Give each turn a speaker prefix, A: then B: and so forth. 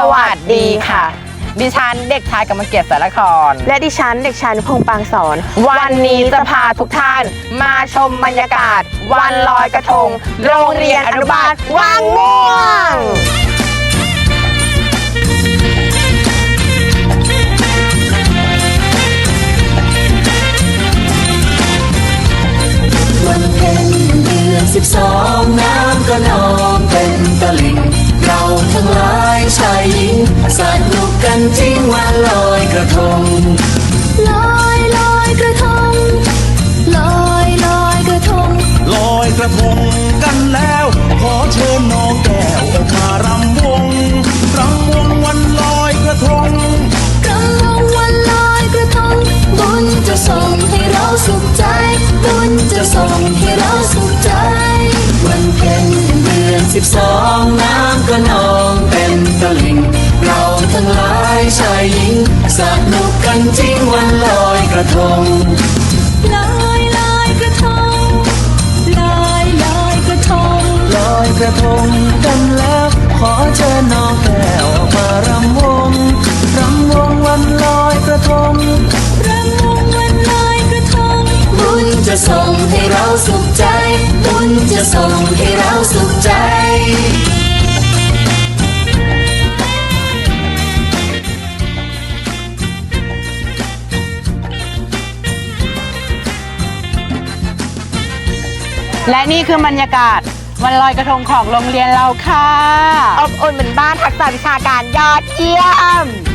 A: วัสดีค่ะดิฉันเด็กชายกำมะเกียรติสารคร
B: และดิฉันเด็กชายพงษ์ปางสอน
A: วันนี้จะพาทุกท่านมาชมบรรยากาศวันลอยกระทงโรงเรียนอนุบาลวังม่วง
C: วันเพ็ญเดือน12น้ำก็นองเต็มตลิ่งเราทั้งหลายชายหญิงสนุกกันจริงวันลอยกระทง
D: ลอยกระทงลอยกระทง
E: ลอยกระทงกันแล้วขอเชิญน้องแก้วมารำวงวันลอยกระทง
D: รำวงวันลอยกระทงบุญจะส่งให้เราสุขใจบุญจะส่งให้เราสุขใจ
C: วันเพ็ญเดือน12น้ำก็นองเต็มตลิ่งเราทั้งหลายชายหญิงสนุกกันจริงวันลอยกระทง
D: ลอยกระทงลอยกระทง
C: ลอยกระทงกันแล้วขอเชิญน้องแก้วมารำวงวันลอยกระทง
D: รำวงวันลอยกระทง
C: บุญจะส่งให้เราสุขใจบุญจะส่งให้เราสุขใจ
A: และนี่คือบรรยากาศวันลอยกระทงของโรงเรียนเราค่ะอบอุ่นเหมือนบ้านทักษะวิชาการยอดเยี่ยม